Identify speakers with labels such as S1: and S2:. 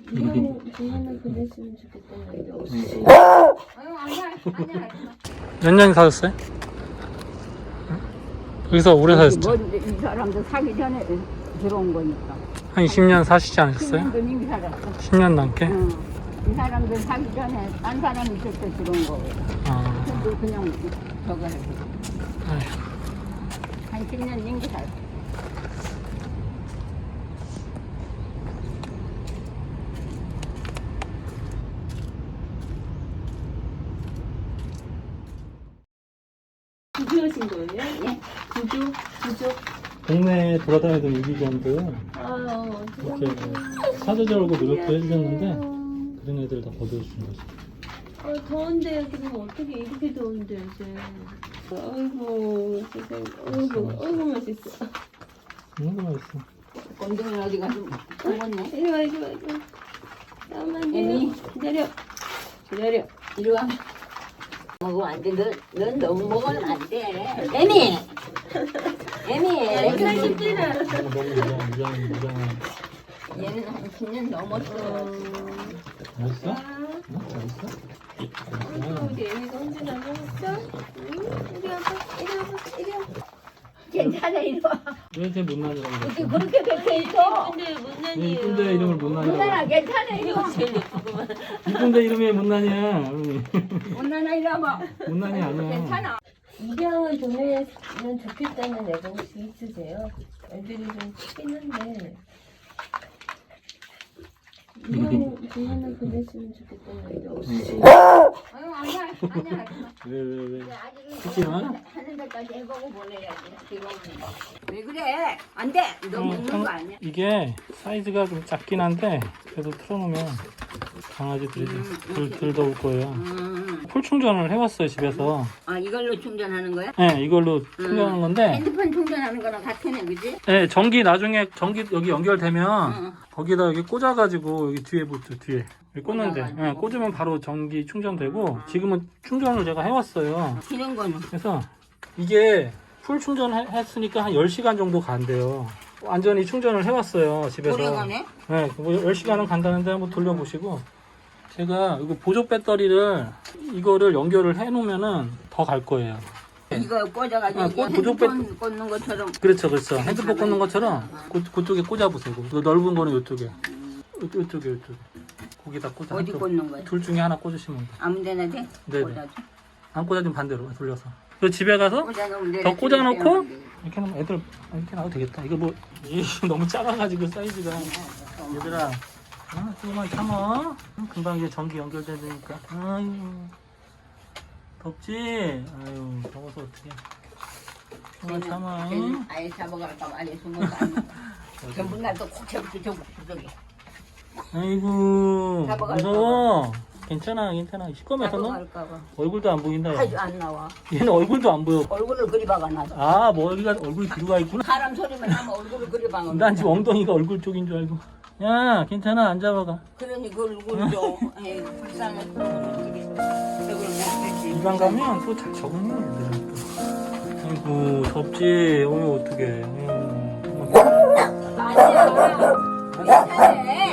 S1: 그거는 보냈으면 좋겠다는데 없이.
S2: 몇 년 사셨어요? 여기서 오래 사셨죠?
S3: 이 사람도 사기 전에 들어온 거니까.
S2: 한 20년 사시지 않으셨어요?
S3: 10년도 이미 살았어.
S2: 10년 넘게?
S3: 응. 이 사람들 사기 전에 딴 사람이 있을 때 들어온 거예요.
S2: 아,
S3: 근데 그냥 저거 해서
S2: 아휴.
S3: 한 10년 넘게 살았어.
S1: 구조하신 거예요?
S3: 예.
S1: 구조?
S2: 동네에 돌아다니던 유기견들
S1: 아,
S2: 이렇게 사제절고 노력도 해주셨는데 그런 애들 다 거두어주신 거죠.
S1: 더운데요. 그럼 어떻게 이렇게 더운데 요새. 아이고, 세상에. 아이고, 맛있어.
S2: 너무 맛있어.
S3: 건동이 어디 가서 먹었네.
S1: 이리 와. 잠깐만요.
S3: 애미.
S1: 기다려.
S3: 이리 와. 먹으면 안 돼. 넌 너무 먹으면 안 돼. 애미.
S1: 살찌나.
S2: 무장.
S3: 얘는 한 10년 넘었어.
S2: 맛있어? 맛있어?
S1: 우리 애미가 혼자 먹었어? 응? 이리 와봐.
S3: 괜찮아, 이리 와.
S2: 왜 제 못난이라고
S3: 어떻게
S2: 그랬어?
S3: 그렇게 뱉어 있어?
S1: 근데
S2: 왜
S1: 못난이에요.
S2: 이쁜데 이름을 못난이라고
S3: 못나나 괜찮아, 이리 와.
S1: 제일 예쁘구만.
S2: 이쁜데 이름이 못난이야.
S3: 못나나 이리 와봐.
S2: 못난이 아니야.
S3: 괜찮아.
S1: 입양을 보내면 좋겠다는 애가 혹시 있으세요? 애들이 좀 크긴 한데 입양을 보냈으면 좋겠다는 애가 없이.
S3: 아니야.
S2: 왜?
S3: 아직
S2: 크지 마?
S3: 하는 데까지 해보고 보내야지. 지금은. 왜 그래? 안 돼. 너 먹는 거 아니야.
S2: 이게 사이즈가 좀 작긴 한데 그래도 틀어놓으면 강아지들이 덜 더울 거예요. 풀 충전을 해왔어요 집에서.
S3: 아, 이걸로 충전하는 거야?
S2: 네, 이걸로 충전하는 건데
S3: 핸드폰 충전하는 거랑 같으네, 그지?
S2: 네, 나중에 전기 여기 연결되면
S3: 응.
S2: 거기다 여기 꽂아가지고 여기 뒤에 붙죠 뒤에 여기 꽂는데
S3: 꽂아가지고.
S2: 꽂으면 바로 전기 충전되고 지금은 충전을 제가 해왔어요.
S3: 기는 거는.
S2: 그래서 이게 풀 충전했으니까 한 10시간 정도 간대요. 완전히 충전을 해왔어요 집에서.
S3: 오래 가네?
S2: 네, 뭐 10시간은 간다는데 한번 돌려보시고 제가 이거 보조 배터리를 이거를 연결을 해놓으면은 더 갈 거예요.
S3: 이거 꽂아가지고
S2: 아,
S3: 이게
S2: 보조
S3: 핸드폰 꽂는 것처럼.
S2: 그렇죠. 핸드폰 꽂는 것처럼 그쪽에 꽂아보세요. 그 넓은 거는 이쪽에. 이쪽에. 거기다 꽂아.
S3: 어디 꽂는 거야?
S2: 둘 중에 하나 꽂으시면 돼요.
S3: 아무 데나 돼?
S2: 네네.
S3: 꽂아줘.
S2: 안 꽂아주면 반대로 돌려서. 그 집에 가서
S3: 꽂아놓으면 돼.
S2: 더 꽂아놓고 이렇게 하면 애들 이렇게 놔도 되겠다. 이거 뭐 너무 작아가지고 사이즈가. 얘들아, 조금만 참아. 금방 이제 전기 연결되니까. 아유, 덥지? 아유, 더워서 어떡해. 조금만 참아.
S3: 걔는 아예 잡아갈까 봐 아예 숨은 거 아니야. 전부 날또 콕 잡고 저기.
S2: 아이고,
S3: 잡아갈까
S2: 무서워. 괜찮아. 시꺼매서는
S3: 잡아갈까 봐.
S2: 얼굴도 안 보인다.
S3: 아주 안 나와.
S2: 얘는 얼굴도 안 보여.
S3: 얼굴을 그리 박아놔서.
S2: 아, 머리가 얼굴이 뒤로 가 있구나.
S3: 사람 소리만 하면 얼굴을 그리 박아놔.
S2: 난 지금 엉덩이가 얼굴 쪽인 줄 알고. 야, 괜찮아. 안 잡아가.
S3: 그러니 그 얼굴 좀 에이, 불쌍해. 저걸 못했지.
S2: 이방 가면 또 잘 적응해, 얘들은 또. 아이고, 덥지? 어휴, 어떡해.
S3: 아니야. 괜찮아.